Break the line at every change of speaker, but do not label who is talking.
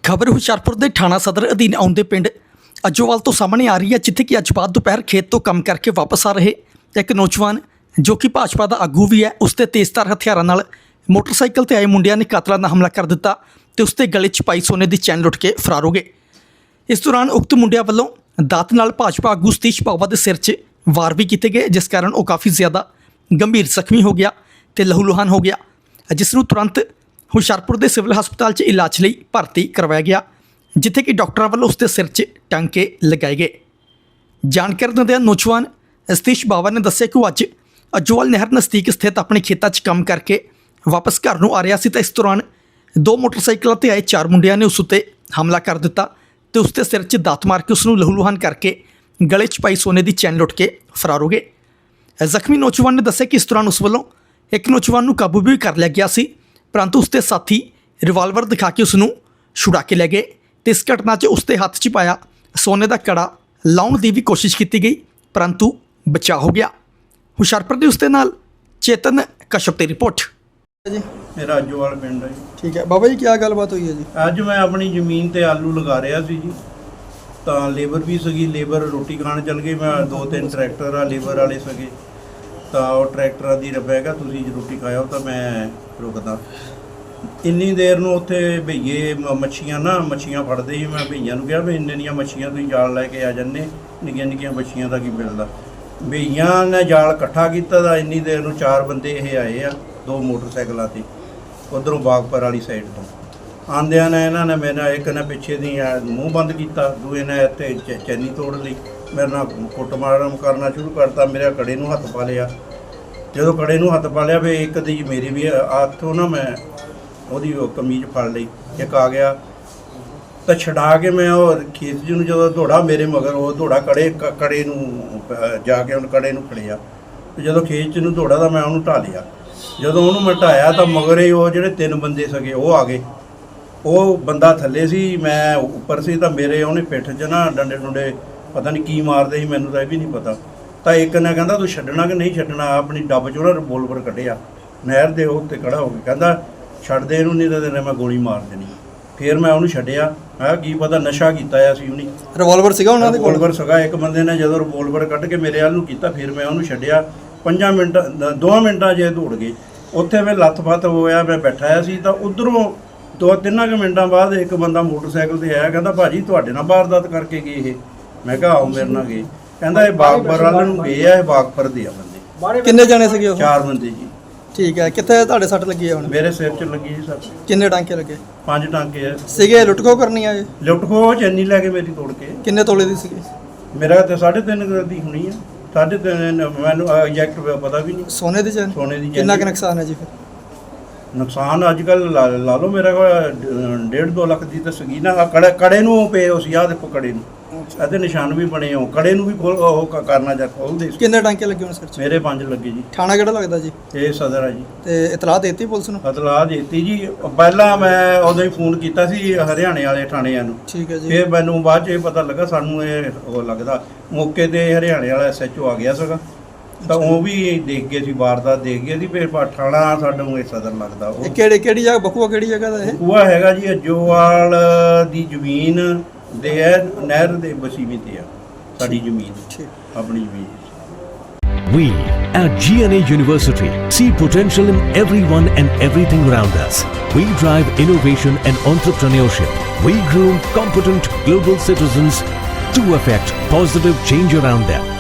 ਖਬਰ ਹੁਸ਼ਿਆਰਪੁਰ ਦੇ ਥਾਣਾ ਸਦਰ ਅਧੀਨ ਆਉਂਦੇ ਪਿੰਡ ਅਜੋਵਾਲ ਤੋਂ ਸਾਹਮਣੇ ਆ ਰਹੀ ਹੈ, ਜਿੱਥੇ ਕਿ ਅੱਜ ਬਾਅਦ ਦੁਪਹਿਰ ਖੇਤ ਤੋਂ ਕੰਮ ਕਰਕੇ ਵਾਪਸ ਆ ਰਹੇ ਇੱਕ ਨੌਜਵਾਨ ਜੋ ਕਿ ਭਾਜਪਾ ਦਾ ਆਗੂ ਵੀ ਹੈ, ਉਸ 'ਤੇ ਤੇਜ਼ਧਾਰ ਹਥਿਆਰਾਂ ਨਾਲ ਮੋਟਰਸਾਈਕਲ ਤੇ ਆਏ ਮੁੰਡਿਆਂ ਨੇ ਕਾਤਲਾਨਾ ਹਮਲਾ ਕਰ ਦਿੱਤਾ ਤੇ ਉਸ 'ਤੇ ਗਲੇ 'ਚ ਪਾਈ ਸੋਨੇ ਦੀ ਚੈਨ ਲੁੱਟ ਕੇ ਫਰਾਰ ਹੋ ਗਏ। ਇਸ ਦੌਰਾਨ ਉਕਤ ਮੁੰਡਿਆਂ ਵੱਲੋਂ ਦਾਤ ਨਾਲ ਭਾਜਪਾ ਆਗੂ ਸਤੀਸ਼ ਬਾਵਾ ਦੇ ਸਿਰ 'ਚ ਵਾਰ ਵੀ ਕੀਤੇ ਗਏ, ਜਿਸ ਕਾਰਨ ਉਹ ਕਾਫੀ ਜ਼ਿਆਦਾ ਗੰਭੀਰ ਜ਼ਖਮੀ ਹੋ ਗਿਆ ਤੇ ਲਹੂ-ਲੁਹਾਨ ਹੋ ਗਿਆ, ਜਿਸ ਨੂੰ ਤੁਰੰਤ ਹੁਸ਼ਿਆਰਪੁਰ ਦੇ ਸਿਵਲ ਹਸਪਤਾਲ 'ਚ ਇਲਾਜ ਲਈ ਭਰਤੀ ਕਰਵਾਇਆ ਗਿਆ, ਜਿੱਥੇ ਕਿ ਡਾਕਟਰਾਂ ਵੱਲੋਂ ਉਸ ਦੇ ਸਿਰ 'ਚ ਟਾਂਕੇ ਲਗਾਏ ਗਏ। ਜਾਣਕਾਰੀ ਦਿੰਦਿਆਂ ਨੌਜਵਾਨ ਸਤੀਸ਼ ਬਾਵਾ ਨੇ ਦੱਸਿਆ ਕਿ ਉਹ ਅੱਜ ਅਜੋਵਾਲ ਨਹਿਰ ਨਜ਼ਦੀਕ ਸਥਿਤ ਆਪਣੇ ਖੇਤਾਂ 'ਚ ਕੰਮ ਕਰਕੇ ਵਾਪਸ ਘਰ ਨੂੰ ਆ ਰਿਹਾ ਸੀ ਤਾਂ ਇਸ ਦੌਰਾਨ ਦੋ ਮੋਟਰਸਾਈਕਲਾਂ 'ਤੇ ਆਏ ਚਾਰ ਮੁੰਡਿਆਂ ਨੇ ਉਸ ਉੱਤੇ ਹਮਲਾ ਕਰ ਦਿੱਤਾ ਤੇ ਉਸ ਦੇ ਸਿਰ 'ਚ ਦਾਤ ਮਾਰ ਕੇ ਉਸ ਨੂੰ ਲਹੂ-ਲੁਹਾਨ ਕਰਕੇ ਗਲੇ 'ਚ ਪਾਈ ਸੋਨੇ ਦੀ ਚੈਨ ਲੁੱਟ ਕੇ ਫਰਾਰ ਹੋ ਗਏ। ਜ਼ਖਮੀ ਨੌਜਵਾਨ ਨੇ ਦੱਸਿਆ ਕਿ ਇਸ ਦੌਰਾਨ ਉਸ ਵੱਲੋਂ ਇੱਕ ਨੌਜਵਾਨ ਨੂੰ ਕਾਬੂ ਵੀ ਕਰ ਲਿਆ ਗਿਆ ਸੀ, ਪਰੰਤੂ ਉਸ ਦੇ ਸਾਥੀ ਰਿਵਾਲਵਰ ਦਿਖਾ ਕੇ ਉਸ ਨੂੰ ਛੁਡਾ ਕੇ ਲੈ ਗਏ ਤੇ ਇਸ ਘਟਨਾ 'ਚ ਉਸ ਦੇ ਹੱਥ 'ਚ ਪਾਇਆ ਸੋਨੇ ਦਾ ਕੜਾ ਲਾਉਣ ਦੀ ਵੀ ਕੋਸ਼ਿਸ਼ ਕੀਤੀ ਗਈ, ਪਰੰਤੂ ਬਚਾਅ ਹੋ ਗਿਆ। ਹੁਸ਼ਿਆਰਪੁਰ ਦੇ ਉਸ ਦੇ ਨਾਲ ਚੇਤਨ ਕਸ਼ਪ ਦੀ ਰਿਪੋਰਟ
ਜੀ।
ਮੇਰਾ ਅਜੋਵਾਲ ਪਿੰਡ ਹੈ ਜੀ।
ਠੀਕ ਹੈ ਬਾਬਾ ਜੀ, ਕੀ ਗੱਲਬਾਤ ਹੋਈ ਹੈ ਜੀ?
ਅੱਜ ਮੈਂ ਆਪਣੀ ਜ਼ਮੀਨ ਤੇ ਆਲੂ ਲਗਾ ਰਿਹਾ ਸੀ ਜੀ, ਤਾਂ ਲੇਬਰ ਵੀ ਸੀਗੀ, ਲੇਬਰ ਰੋਟੀ ਖਾਣ ਚੱਲ ਗਈ। ਮੈਂ ਦੋ ਤਿੰਨ ਟਰੈਕਟਰ ਆ ਲੇਬਰ ਵਾਲੇ ਸੀਗੇ, ਤਾਂ ਉਹ ਟਰੈਕਟਰਾਂ ਦੀ ਰੱਬੈਗਾ ਤੁਸੀਂ ਰੋਟੀ ਖਾਇਓ ਤਾਂ ਮੈਂ ਰੁਕਦਾ। ਇੰਨੀ ਦੇਰ ਨੂੰ ਉੱਥੇ ਭਈਏ ਮੱਛੀਆਂ ਫੜਦੇ ਸੀ। ਮੈਂ ਭਈਆਂ ਨੂੰ ਕਿਹਾ ਵੀ ਇੰਨੇ ਦੀਆਂ ਮੱਛੀਆਂ ਤੁਸੀਂ ਜਾਲ ਲੈ ਕੇ ਆ ਜਾਂਦੇ, ਨਿੱਕੀਆਂ ਨਿੱਕੀਆਂ ਮੱਛੀਆਂ ਦਾ ਕੀ ਮਿਲਦਾ। ਭਈਆਂ ਨੇ ਜਾਲ ਇਕੱਠਾ ਕੀਤਾ ਤਾਂ ਇੰਨੀ ਦੇਰ ਨੂੰ ਚਾਰ ਬੰਦੇ ਇਹ ਆਏ ਆ, ਦੋ ਮੋਟਰਸਾਈਕਲਾਂ 'ਤੇ ਉੱਧਰੋਂ ਬਾਗਪੁਰ ਵਾਲੀ ਸਾਈਡ ਤੋਂ ਆਉਂਦਿਆਂ ਨੇ ਇਹਨਾਂ ਨੇ ਮੇਰਾ ਇੱਕ ਨੇ ਪਿੱਛੇ ਦੀ ਮੂੰਹ ਬੰਦ ਕੀਤਾ, ਦੂਏ ਨੇ ਇੱਥੇ ਚੈਨੀ ਤੋੜ ਲਈ, ਮੇਰੇ ਨਾਲ ਕੁੱਟਮਾਰ ਕਰਨਾ ਸ਼ੁਰੂ ਕਰਤਾ। ਮੇਰੇ ਕੜੇ ਨੂੰ ਹੱਥ ਪਾ ਲਿਆ। ਜਦੋਂ ਕੜੇ ਨੂੰ ਹੱਥ ਪਾ ਲਿਆ ਵੀ ਇੱਕ ਦੀ ਮੇਰੀ ਵੀ ਹੱਥੋਂ ਨਾ ਮੈਂ ਉਹਦੀ ਉਹ ਕਮੀਜ਼ ਫੜ ਲਈ, ਇੱਕ ਆ ਗਿਆ ਤਾਂ ਛਡਾ ਕੇ ਮੈਂ ਉਹ ਖੇਤ ਜੀ ਨੂੰ ਜਦੋਂ ਦੌੜਾ ਮੇਰੇ ਮਗਰ ਉਹ ਦੌੜਾ ਕੜੇ ਨੂੰ ਜਾ ਕੇ ਉਹਨੂੰ ਕੜੇ ਨੂੰ ਫੜਿਆ ਤੇ ਜਦੋਂ ਖੇਤ 'ਚ ਨੂੰ ਦੌੜਾ ਤਾਂ ਮੈਂ ਉਹਨੂੰ ਢਾ ਲਿਆ। ਜਦੋਂ ਉਹਨੂੰ ਮੈਂ ਢਾਇਆ ਤਾਂ ਮਗਰ ਹੀ ਉਹ ਜਿਹੜੇ ਤਿੰਨ ਬੰਦੇ ਸੀਗੇ ਉਹ ਆ ਗਏ। ਉਹ ਬੰਦਾ ਥੱਲੇ ਸੀ, ਮੈਂ ਉੱਪਰ ਸੀ, ਤਾਂ ਮੇਰੇ ਉਹਨੇ ਪਿੱਠ 'ਚ ਨਾ ਡੰਡੇ ਡੁੰਡੇ ਪਤਾ ਨਹੀਂ ਕੀ ਮਾਰਦੇ ਸੀ, ਮੈਨੂੰ ਤਾਂ ਇਹ ਵੀ ਨਹੀਂ ਪਤਾ। ਤਾਂ ਇੱਕ ਨੇ ਕਹਿੰਦਾ ਤੂੰ ਛੱਡਣਾ ਕਿ ਨਹੀਂ ਛੱਡਣਾ, ਆਪਣੀ ਡੱਬ 'ਚੋਂ ਨਾ ਰਿਵੋਲਵਰ ਕੱਢਿਆ, ਨਹਿਰ ਦੇ ਉੱਤੇ ਖੜਾ ਹੋ ਕੇ ਕਹਿੰਦਾ ਛੱਡ ਦੇ ਇਹਨੂੰ ਨਹੀਂ ਤਾਂ ਤੇਰੇ ਮੈਂ ਗੋਲੀ ਮਾਰ ਦੇਣੀ। ਫਿਰ ਮੈਂ ਉਹਨੂੰ ਛੱਡਿਆ। ਮੈਂ ਕੀ ਪਤਾ ਨਸ਼ਾ ਕੀਤਾ ਆ ਸੀ ਉਹਨੇ।
ਰਿਵਾਲਵਰ ਸੀਗਾ ਉਹਨਾਂ ਦੇ ਕੋਲ?
ਰਿਵਾਲਵਰ ਸੀਗਾ। ਇੱਕ ਬੰਦੇ ਨੇ ਜਦੋਂ ਰਿਵਾਲਵਰ ਕੱਢ ਕੇ ਮੇਰੇ ਵੱਲ ਨੂੰ ਕੀਤਾ, ਫਿਰ ਮੈਂ ਉਹਨੂੰ ਛੱਡਿਆ। 2 ਮਿੰਟਾਂ 'ਚ ਦੌੜ ਗਏ। ਉੱਥੇ ਮੈਂ ਲੱਤ-ਪੱਤ ਹੋਇਆ, ਮੈਂ ਬੈਠਾ ਸੀ ਤਾਂ ਉੱਧਰੋਂ 2-3 ਮਿੰਟਾਂ ਬਾਅਦ ਇੱਕ ਬੰਦਾ ਮੋਟਰਸਾਈਕਲ ਤੇ ਆਇਆ, ਕਹਿੰਦਾ ਭਾਜੀ ਤੁਹਾਡੇ ਨਾਲ ਵਾਰਦਾਤ ਕਰਕੇ ਗਏ ਇਹ? ਮੈਂ ਕਿਹਾ ਆਓ ਮੇਰੇ ਨਾਲ ਗਏ। ਕਹਿੰਦਾ ਇਹ ਬਾਗਪੁਰ ਵੱਲ ਨੂੰ ਗਏ ਆ, ਇਹ ਬਾਗਪੁਰ ਦੇ ਆ ਬੰਦੇ।
ਕਿੰਨੇ ਜਾਣੇ ਸੀਗੇ ਉਹ?
4 ਬੰਦੇ ਜੀ।
ਠੀਕ ਹੈ, ਕਿੱਥੇ ਤੁਹਾਡੇ ਸੱਟ ਲੱਗੀ ਹੈ ਹੁਣ?
ਮੇਰੇ ਸਿਰ 'ਚ ਲੱਗੀ ਜੀ ਸੱਟ।
ਕਿੰਨੇ ਟਾਂਕੇ ਲੱਗੇ?
5 ਟਾਂਕੇ ਆ
ਸੀਗੇ। ਲੁੱਟਖੋ ਕਰਨੀ ਆ?
ਲੁੱਟ ਖੋਹ ਚੈਨੀ ਲੈ ਕੇ ਮੇਰੀ ਤੋੜ ਕੇ।
ਕਿੰਨੇ ਤੋਲੇ ਦੀ ਸੀਗੀ?
ਮੇਰਾ ਤਾਂ 3.5 ਦੀ ਹੋਣੀ ਆ। 3.5 ਮੈਨੂੰ ਐਗਜ਼ੈਕਟ ਪਤਾ ਵੀ ਨਹੀਂ।
ਸੋਨੇ ਦੀ ਚੈਨ?
ਸੋਨੇ ਦੀ।
ਕਿੰਨਾ ਕੁ ਨੁਕਸਾਨ ਹੈ ਜੀ ਫਿਰ?
ਨੁਕਸਾਨ ਅੱਜ ਕੱਲ੍ਹ ਲਾ ਲਓ ਮੇਰਾ ਕੋਲ 1.5-2 ਲੱਖ ਦੀ ਤਾਂ ਸੀਗੀ ਨਾ। ਕੜੇ ਨੂੰ ਪਏ ਹੋ ਸੀ, ਆਹ ਦੇਖੋ ਕੜੇ ਨੂੰ, ਇਹਦੇ ਨਿਸ਼ਾਨ ਵੀ ਬਣੇ ਹੋ। ਕੜੇ ਨੂੰ ਵੀ ਕਰਨਾ ਜਾਂ ਖੋਲਦੇ।
ਕਿੰਨੇ ਟਾਂਕੇ ਲੱਗੇ ਹੁਣ ਸਿਰ 'ਚ?
ਮੇਰੇ 5 ਲੱਗੇ ਜੀ।
ਥਾਣਾ ਕਿਹੜਾ ਲੱਗਦਾ ਜੀ?
ਇਹ ਸਦਰ ਆ ਜੀ।
ਤੇ ਇਤਲਾਹ ਦੇਤੀ ਪੁਲਿਸ ਨੂੰ?
ਇਤਲਾਹ ਦੇਤੀ ਜੀ। ਪਹਿਲਾਂ ਮੈਂ ਉਦੋਂ ਹੀ ਫੋਨ ਕੀਤਾ ਸੀ ਹਰਿਆਣੇ ਵਾਲੇ ਥਾਣਿਆਂ ਨੂੰ।
ਠੀਕ ਹੈ ਜੀ।
ਫਿਰ ਮੈਨੂੰ ਬਾਅਦ 'ਚ ਇਹ ਪਤਾ ਲੱਗਾ ਸਾਨੂੰ ਇਹ ਉਹ ਲੱਗਦਾ ਮੌਕੇ 'ਤੇ ਹਰਿਆਣੇ ਵਾਲਾ SHO ਆ ਗਿਆ ਸੀਗਾ, ਤਾਂ ਉਹ ਵੀ ਦੇਖ ਗਏ ਸੀ, ਵਾਰਦਾਤ ਦੇਖ ਗਏ ਸੀ। ਫਿਰ ਥਾਣਾ ਸਾਨੂੰ ਇਹ ਸਦਰ ਲੱਗਦਾ। ਉਹ
ਕਿਹੜੀ ਜਗ੍ਹਾ? ਬਖੂਆ ਕਿਹੜੀ ਜਗ੍ਹਾ ਦਾ ਇਹ?
ਬਖੂਆ ਹੈਗਾ ਜੀ ਅਜੋਵਾਲ ਦੀ ਜ਼ਮੀਨ ਦੇ ਹੈ, ਨਹਿਰ ਦੇ ਵਸੀਵੇਂ ਤੇ ਆ ਸਾਡੀ ਜ਼ਮੀਨ, ਆਪਣੀ ਜ਼ਮੀਨ।
We at GNA University see potential in everyone and everything around us. We drive innovation and entrepreneurship. We groom competent global citizens to affect positive change around them.